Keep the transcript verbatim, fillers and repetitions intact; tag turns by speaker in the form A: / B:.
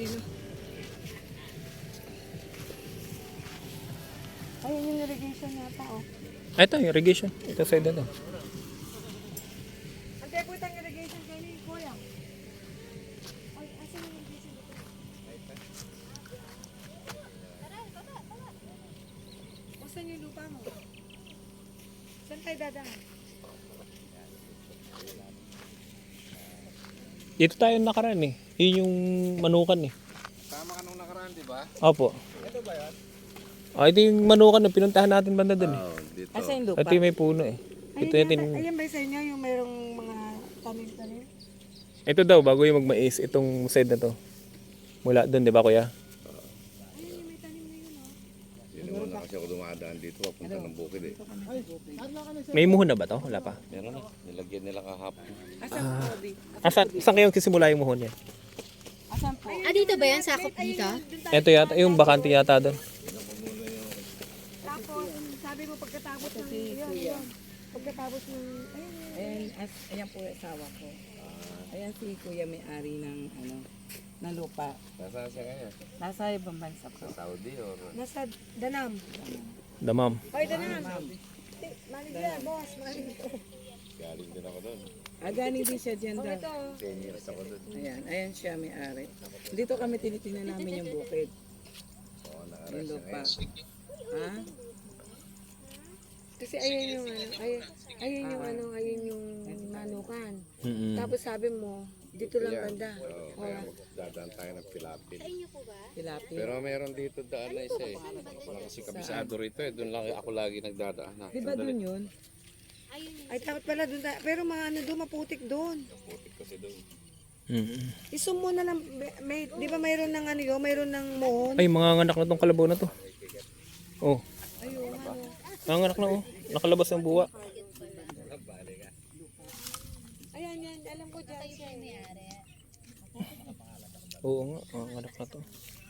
A: no? Ayun yung irrigation yata, oh.
B: Ito, irrigation. Ito sa ito.
A: Ang teko itang irrigation kayo ni Kuya. Ay, asan yung irrigation dito? O, saan yung lupa mo? Saan tayo dadaan?
B: Dito tayo nakaraan eh. Yun yung manukan eh.
C: Tama ka nung nakaraan, di ba?
B: Opo.
C: Ito ba yan?
B: Ah, ito yung manukan na pinuntahan natin banda dun eh.
C: Oo, dito.
A: Asan yung lupa?
B: Ito yung may puno eh. Ito
A: Ayun,
B: yung tin...
A: yata, ayan ba sa inyo yung mayroong mga tanim-tanim?
B: Ito daw, bago yung magmais, itong side na to. Mula dun, di ba kuya?
A: Ayun yung may tanim na yun, oh.
C: Yun naman na kasi ako dumadaan dito, papunta ng bukid eh.
B: May muhon na ba to? Wala pa.
C: Meron na, nilagyan nila kahapon.
A: Asan po, Obi?
B: Asan, saan kayong kisimula yung muhon yan?
A: Asan po?
D: Ah, dito ba yan? Sakop dito?
B: Ito yata, yung bakante yata doon.
A: Tapos, sabi mo pagkatapos ng, yun, yun. Pagkatapos ng, ayun, yun.
E: Ayan, as, ayan po yung asawa ko. Ayan si kuya may-ari ng ano, ng lupa.
C: Nasaan siya ngayon?
E: Nasa ibang bansa po.
C: Saudi or?
A: Nasa Danam.
B: Damam.
A: Hoy, Danam. Eh, Manager, boss, manager.
C: Galing din ako doon.
E: Ah, galing din siya dyan
A: Oh,
E: daw.
A: ito.
C: ten years ako doon.
E: Ayan, ayan siya may-ari. Dito kami tinitingnan namin yung bukid.
C: Oo,
E: Yung
C: nakaraan siya
E: lupa.
C: ngayon.
E: Ha?
A: Kasi ayun yung ano, ayun, ayun yung ano, ayun yung manukan.
B: Mm-mm.
A: Tapos sabi mo, dito lang banda.
C: Oo, kaya magdadaan tayo ng Pilapil.
E: Tilapia.
C: Pero meron dito daan na isa eh. Wala kasi kabisado rito eh. Doon lang ako lagi nagdadaan.
E: Di ba dun yun?
A: Ay, takot pala doon. tayo. Pero mga ano doon, maputik doon.
C: Putik kasi doon.
B: Mm-mm.
A: Isum mo na lang, may, di ba mayroon ng ano yun, mayroon ng mohon?
B: Ay, mga anak na tong kalabaw na to. Oh,
A: Ayun, ano.
B: mga anak na oh. Nakalabas ng buwa.
A: Ayan, yan, alam ko dyan siya.
B: Oo nga, mga anak na to.